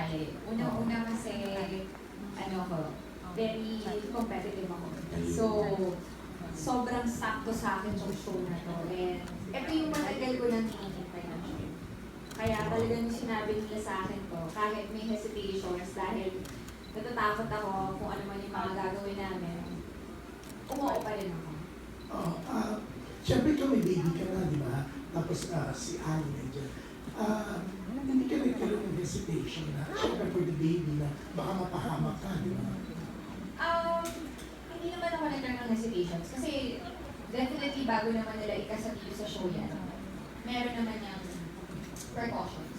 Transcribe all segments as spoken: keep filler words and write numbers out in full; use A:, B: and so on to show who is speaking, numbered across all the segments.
A: sumali. Unang-una kasi, ano ko, very competitive ako. So, sobrang sakto sa akin yung show na to. And ito yung matagal ko nang hinihintay na show. Kaya talagang sinabi nila sa akin to, kahit may hesitations dahil natatakot ako kung ano man yung mga gagawin namin, umuo pa rin ako.
B: Oh, ah, siyempre ikaw may baby ka na, di ba? Tapos ah, si Ali nandiyan. Ah, hindi ka nagkaroon ng hesitation na, siyempre for the baby na baka mapahamak ka, di ba?
A: Um, hindi naman ako nagkaroon ng hesitations kasi definitely bago naman nila ikasabi sa show yan, meron naman yung precautions.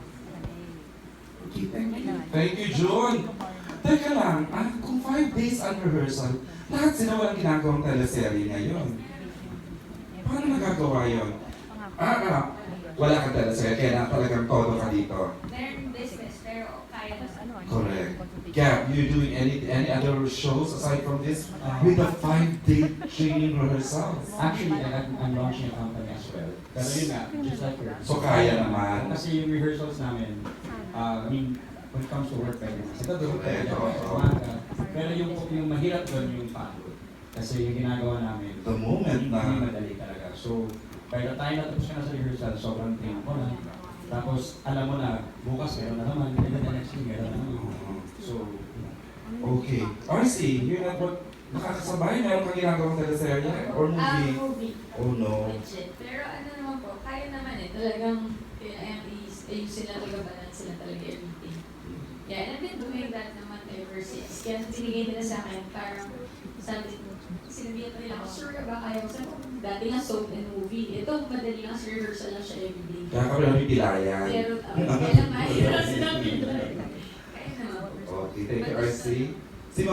B: Okay, thank you.
C: Thank you, June. Teka lang, ah, kung five days on rehearsal, lahat sila walang ginagawang teleserye ngayon. Paano nagagawa yun? Ah, ah, wala kang teleserye, kaya na talagang todo ka dito.
A: Meron business pero kaya na sa
C: Correct. Gab, you doing any any other shows aside from this with the five-day training rehearsals?
D: Actually, I'm, I'm launching a company as well. Pero yun nga, just like yours.
C: So kaya naman.
D: Kasi yung rehearsals namin, uh, I mean, when it comes to work, pwede na. Ito doon, pwede
C: Ito,
D: na.
C: oo.
D: Umaga. Pero yung, yung mahirap doon yung pagod. Kasi yung ginagawa namin,
C: The moment
D: hindi
C: na
D: madali talaga. So, by the time na tapos ka na sa rehearsal, sobrang train ko na. Tapos, alam mo na, bukas meron na naman, and then the next week meron na naman. So,
C: okay. R C, you're not what nakakasabay? Meron kang ginagawang teleserye or
A: Ah,
C: movie?
A: movie.
C: Oh no.
A: Legit. Pero ano naman po, kaya naman eh. Talagang, kaya ayusin lang talaga, balance sila talaga everything. Yeah, and I've been doing that naman ever since. Kaya binigay nila sa akin, parang sabi, sinabihan pa nila ako, sure ka ba kaya ko? Sabi ko, dati lang soap and movie. Ito, madali lang sa rehearsal lang siya everyday.
C: Kaya kami namin pilayan.
A: Pero, uh, kaya lang mahirap silang pinag. Kaya naman po.
C: Okay, thank you, R C.